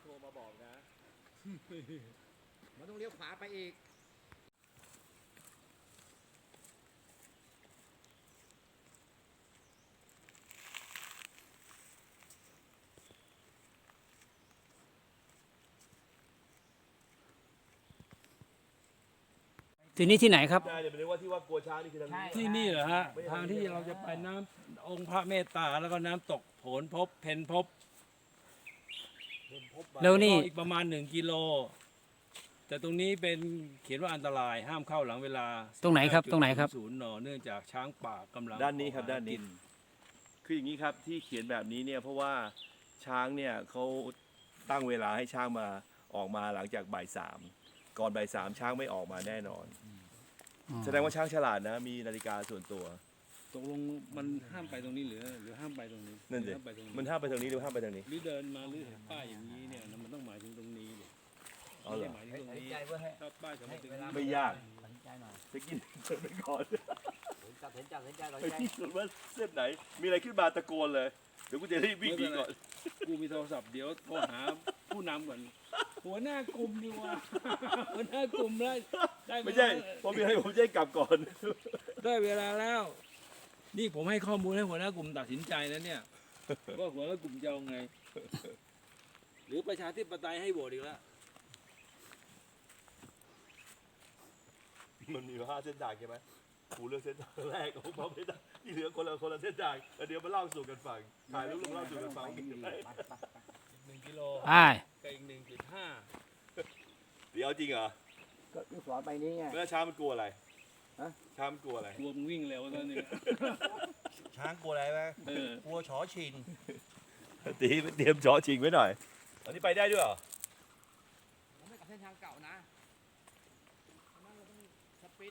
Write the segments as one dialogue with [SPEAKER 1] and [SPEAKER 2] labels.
[SPEAKER 1] รมาบอกนะ
[SPEAKER 2] มันต้องเลี้ยวขวาไปอีก
[SPEAKER 3] ที่นี่ที่ไหนครับ
[SPEAKER 1] ใช่เดี๋ยวไปเรียกว่าที่ว่ากลัวช้างนี่คือทางนี้
[SPEAKER 3] ที่นี่เหรอฮะทางที่เราจะไปน้ำองค์พระเมตตาแล้วก็น้ำตกโผนพบเพนพบ
[SPEAKER 2] แล้วนี่
[SPEAKER 3] อีกประมาณ1 กิโล แต่ตรงนี้เป็นเขียนว่าอันตรายห้ามเข้าหลังเวลา
[SPEAKER 2] ตรงไหนครับตรงไหนครับ
[SPEAKER 3] 0 นเนื่องจากช้างป่ากำลัง
[SPEAKER 1] ด้านนี้ครับ
[SPEAKER 3] ออกห
[SPEAKER 1] ด้านนี้
[SPEAKER 3] กิ
[SPEAKER 1] คืออย่างนี้ครับที่เขียนแบบนี้เนี่ยเพราะว่าช้างเนี่ยเขาตั้งเวลาให้ช้างมาออกมาหลังจากบ่ายสามก่อนบ่ายสามช้างไม่ออกมาแน่นอน แสดงว่าช้างฉลาดนะมีนาฬิกาส่วนตัว
[SPEAKER 3] ตกลงมันห้ามไปตรงนี้หรือห้ามไปตรงนี้
[SPEAKER 1] นั่นสิ
[SPEAKER 3] ห้ามไปตรงนี้
[SPEAKER 1] มันห้ามไปทางนี้หรือห้ามไปทางนี้
[SPEAKER 3] หรือเดินมาหรือเห็นป้ายอย่างนี้เนี่ยมันต้องหมายถึงตรงนี้เลย
[SPEAKER 1] อ๋อเหรอ
[SPEAKER 3] ไม่ได้หมายถึงตรงนี้ถ้าป้ายจะไม่ถึง
[SPEAKER 1] ไม่ยาก
[SPEAKER 2] ตัดสินใจหน่อย
[SPEAKER 1] จะกินเดินไปก่อน
[SPEAKER 2] ตัดสินใจตัด
[SPEAKER 1] ไป
[SPEAKER 2] สินใจ
[SPEAKER 1] ที่สุดว่าเส้นไหน มีอะไรขึ้นมาตะโกนเลย เดี๋ยวกูจะรีบวิ่งหนีก่อน
[SPEAKER 3] กูมีโทรศัพท์เดี๋ยวโทรหาผู้นำก่อนหัวหน้ากลุ่มดีกว่า หัวหน้ากลุ่มได้เวลา
[SPEAKER 1] ไม่ใช่เพราะมีอะไรผมจะให้กลับก่อน
[SPEAKER 3] ได้เวลาแล้ว นี่ผมให้ข้อมูลให้หัวหน้ากลุ่มตัดสินใจแล้วเนี่ย ว่าหัวหน้ากลุ่มจะเอาไง หรือประชาธิปไตยให้โหวตอีกแล้ว
[SPEAKER 1] มันมี5 เส้นทางใช่ไหมกูเลือกเส้นทางแรกของผมไม่ได้ที่เหลือคนละเส้นทางแล้วเดี๋ยวมาเล่าสู่กันฟังถ่ายรูปลงเล่าสู่กันฟัง
[SPEAKER 3] 1 กิโล
[SPEAKER 2] ใช่
[SPEAKER 3] กับอีก1.5
[SPEAKER 1] เดี๋ยวจริงเหรอ
[SPEAKER 2] ก็ลูกศรไปนี้ไง
[SPEAKER 1] แล้วช้างมันกลัวอะไร
[SPEAKER 2] ฮะ
[SPEAKER 1] ช้างมันกลัวอะไร
[SPEAKER 3] กลัวมึงวิ่งเร็วแล้วเนี่ย
[SPEAKER 4] ช้างกลัวอะไรไหม
[SPEAKER 3] เออ
[SPEAKER 4] กลัวชอชิง
[SPEAKER 1] ตีเตรียมจ่อชิงไว้หน่อยอันนี้ไปได้ด้วยเหรอ
[SPEAKER 2] ผมไม่กับเส้นทางเก่านะนั่นเราต้องสปีด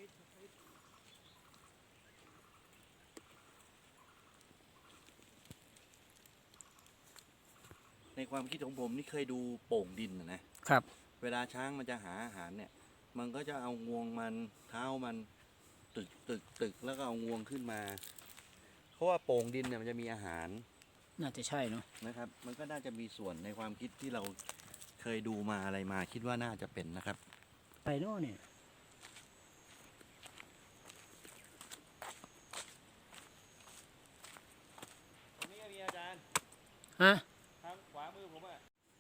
[SPEAKER 4] ในความคิดของผมนี่เคยดูโป่งดินนะครับ เวลาช้างมันจะหาอาหารเนี่ย มันก็จะเอางวงมันเท้ามันตึกแล้วก็เอางวงขึ้นมา เพราะว่าโป่งดินเนี่ยมันจะมีอาหาร
[SPEAKER 2] น่าจะใช่เนาะ
[SPEAKER 4] นะครับ มันก็น่าจะมีส่วนในความคิดที่เราเคยดูมาอะไรมา คิดว่าน่าจะเป็นนะครับ
[SPEAKER 2] ไปโน่นเนี่ย
[SPEAKER 1] ตรงนี้มีอาจารย์
[SPEAKER 2] ฮะ
[SPEAKER 1] ทางขวามือผมอ่ะ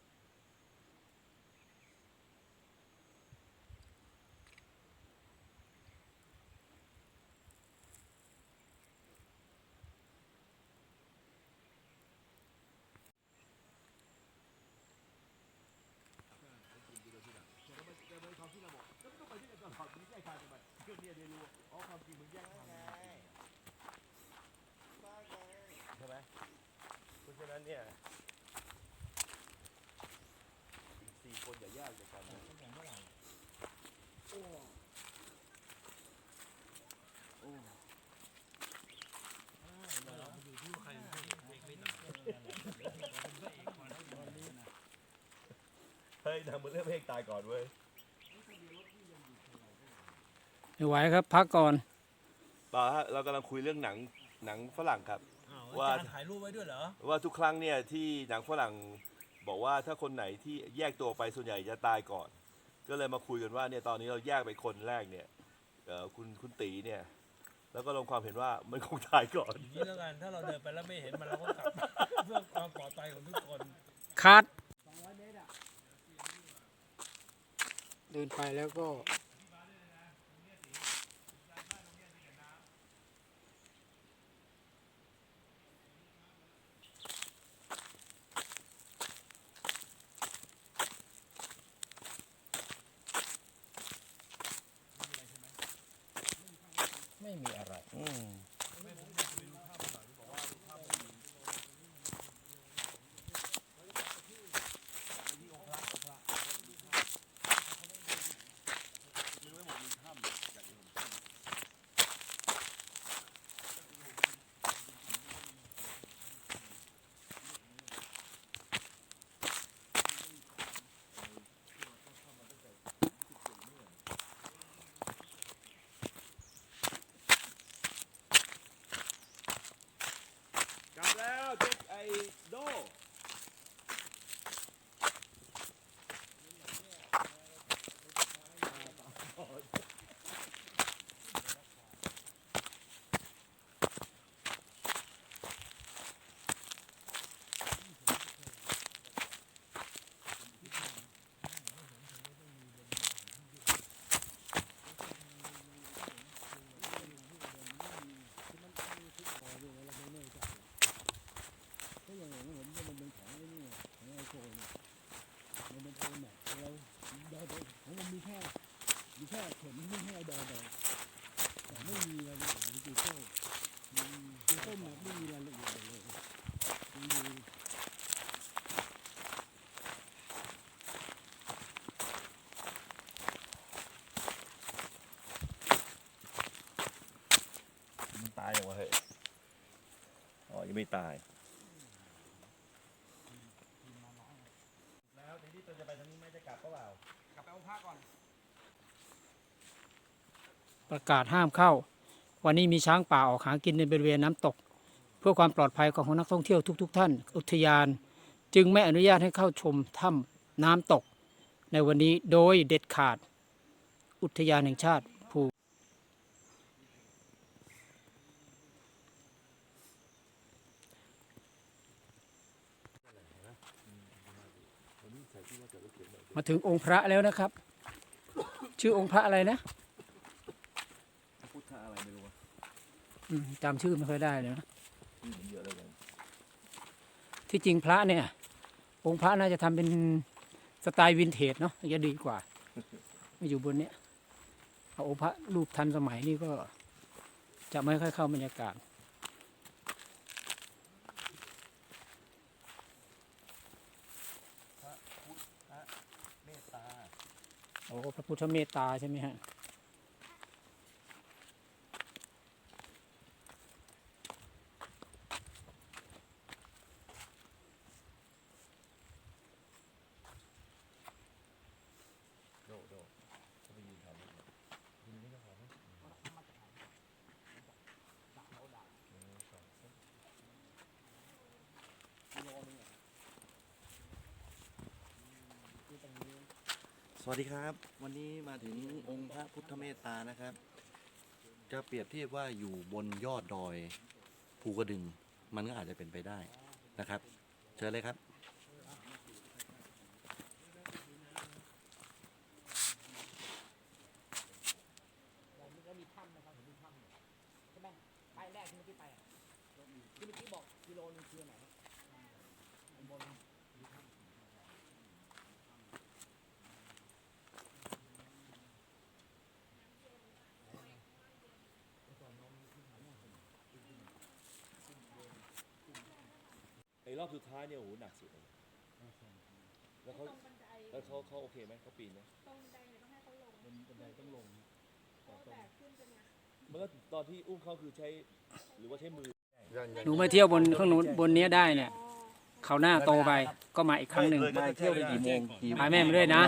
[SPEAKER 1] ใช่ไหมเพราะฉะนั้นเนี่ยอีก4 คนอย่ายากจากกันนะเฮ้ยนางมันเริ่มเพลงตายก่อนเว้ย
[SPEAKER 2] ไม่ไหวครับพักก่อน
[SPEAKER 1] ป่าฮะเรากำลังคุยเรื่องหนังฝรั่งครับ ว่า
[SPEAKER 3] อาจารย์ถ่ายรูปไว้ด้วยเหรอ
[SPEAKER 1] ว่าทุกครั้งเนี่ยที่หนังฝรั่งบอกว่าถ้าคนไหนที่แยกตัวไปส่วนใหญ่จะตายก่อน ก็เลยมาคุยกันว่าเนี่ยตอนนี้เราแยกไปคนแรกเนี่ยคุณตีเนี่ยแล้วก็ลงความเห็นว่ามันคงตายก่อน
[SPEAKER 3] อย่างนี้แล้วกัน ถ้าเราเดินไปแล้วไม่เห็นมันเราก็กลับ เพื่อความปลอดภัยของทุกคน
[SPEAKER 2] คัดเดินไปแล้วก็ไม่มีอะไร
[SPEAKER 1] เาอย่างวะเฮ้ยอ๋อยังไม่ตายแล้วทีนี้ตัวจะไปทางนี้ไม่จะกลับก็เปล่าก
[SPEAKER 2] ลับไปเอาผ้าก่อน
[SPEAKER 5] ประกาศห้ามเข้า วันนี้มีช้างป่าออกหากินในบริเวณน้ำตก เพื่อความปลอดภัยของนักท่องเที่ยวทุกท่าน อุทยานจึงไม่อนุญาตให้เข้าชมถ้ำน้ำตก ในวันนี้โดยเด็ดขาด อุทยานแห่งชาติภู มาถึงองค์พระแล้วนะครับ ชื่อองค์พระอะไรนะ
[SPEAKER 1] พุทธะอะไรไม่รู้วะ
[SPEAKER 5] จำชื่อไม่ค่อยได้เลยนะ
[SPEAKER 1] เยอะเลยกัน
[SPEAKER 5] ที่จริงพระเนี่ย องค์พระน่าจะทำเป็นสไตล์วินเทจเนาะจะดีกว่า มาอยู่บนเนี้ยเอาองค์พระรูปทันสมัยนี่ก็จะไม่ค่อยเข้าบรรยากาศ
[SPEAKER 4] เมตตา
[SPEAKER 5] โอ้พระพุทธเมตตาใช่ไหมฮะ
[SPEAKER 1] โดเขาไปยืนทำยืนนี่ก็พอไหม
[SPEAKER 4] สวัสดีครับ วันนี้มาถึงองค์พระพุทธเมตตานะครับ จะเปรียบเทียบว่าอยู่บนยอดดอยภูกระดึง มันก็อาจจะเป็นไปได้นะครับ เชิญเลยครับ
[SPEAKER 2] แล้วมีถ้ำนะครับเห็นมีถ้ำเนี่ยใช่ไหมป้ายแรกที่เมื่อกี้ไปอ่ะที่เมื่อกี้บอกกิโลนึงคือไหนข้างบนมีถ้ำ
[SPEAKER 1] ไอ้รอบสุดท้ายเนี่ยโอ้โหหนักสุดเลยแล้วเขาโอเคไหมเขาปีนไหม
[SPEAKER 6] ตรงบันไดเนี่ยต้องให้เขาลง
[SPEAKER 1] บันไดต้องลง
[SPEAKER 6] เพราะแบกขึ้นเป็นไง
[SPEAKER 1] มันก็ตอนที่อุ้มเขาคือใช้หรือว่าใช้มือ
[SPEAKER 5] หนูมาเที่ยวบนข้างนู้นบนเนี้ยได้เนี่ยเขาวหน้าโตไปก็มาอีกครั้งหนึ่ง
[SPEAKER 4] มาเที่ยวไปกี่โมง
[SPEAKER 5] พาแม่มาด้วยนะ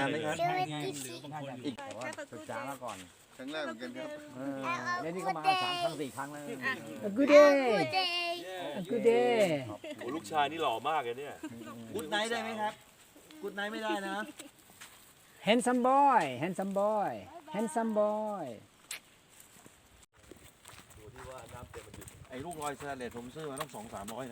[SPEAKER 6] แค่ศึกษามาก่อน
[SPEAKER 7] ครั้งแรกเหมือนกันครับ
[SPEAKER 2] แล้วนี่ก็มา3 ครั้ง 4 ครั้งแล้ว
[SPEAKER 5] Good day Good day
[SPEAKER 1] โอ้ลูกชายนี่หล่อมากเลยเนี่ย
[SPEAKER 4] กุดไนท์ได้ไหมครับ กุดไนท์ไม่ได้นะ
[SPEAKER 5] Handsome boy Handsome boy Handsome boy
[SPEAKER 1] ตัวที่ว่าน้ำเต็มมันหยุด
[SPEAKER 4] ไอ้ลูกลอยสแตนเลสผมซื้อมาต้อง200-300นะ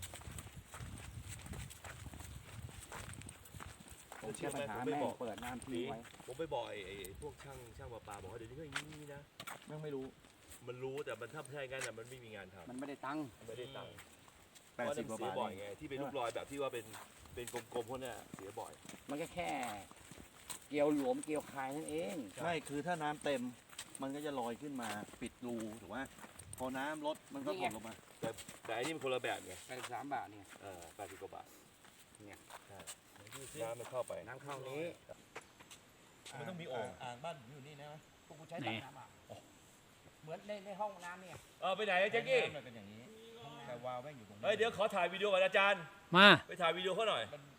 [SPEAKER 2] ผมแก้ปัญหาแม่งเปิดน้ำทิ้งไว้
[SPEAKER 1] ผมไปบอกไอ้พวกช่างประปาบอกว่าเดี๋ยวนี้ก็อย่างนี้นะ
[SPEAKER 4] แม่งไม่รู้
[SPEAKER 1] มันรู้แต่มันถ้าใช่งั้นน่ะมันไม่มีงานทำ
[SPEAKER 2] มันไม่ได้ตังค์
[SPEAKER 1] มันไม่ได้ตังค์
[SPEAKER 4] 80 กว่า
[SPEAKER 1] เสีย
[SPEAKER 4] บาท
[SPEAKER 1] บ่อยไงที่เป็นลูกรอยแบบที่ว่าเป็นกลมๆพวกเนี้ยเสียบ่อย
[SPEAKER 2] มันก็แค่เกี่ยวหลวมเกี่ยวคายนั่นเอง
[SPEAKER 4] ไม่คือถ้าน้ำเต็ม มันก็จะลอยขึ้นมาปิดรูถูกไหมพอน้ำลดมันก็กดลงมา
[SPEAKER 1] แต่อันนี้มันคนละแบบไง
[SPEAKER 2] 83 บาทเนี่ย
[SPEAKER 1] 80 กว่าบาท
[SPEAKER 2] เนี่ย
[SPEAKER 1] ใช่น้ำมันเข้าไป
[SPEAKER 2] น้ำเข้านี้
[SPEAKER 1] มันต้องมีโอ่ง
[SPEAKER 4] อ่างบ้านอยู่นี่นะ
[SPEAKER 2] พวกกูใช้ตักน้ำอ่ะเหมือนในห้องน้ำเนี่ย
[SPEAKER 1] ไปไหนอะแจ็คกี้
[SPEAKER 4] มันเป็นอย่างนี้ แต่วาล์วแม่งอยู่ตรงนี้
[SPEAKER 1] เฮ้ยเดี๋ยวขอถ่ายวิดีโอกับอาจารย์
[SPEAKER 5] มา
[SPEAKER 1] ไปถ่ายวิดีโอเขาหน่อย
[SPEAKER 4] มัน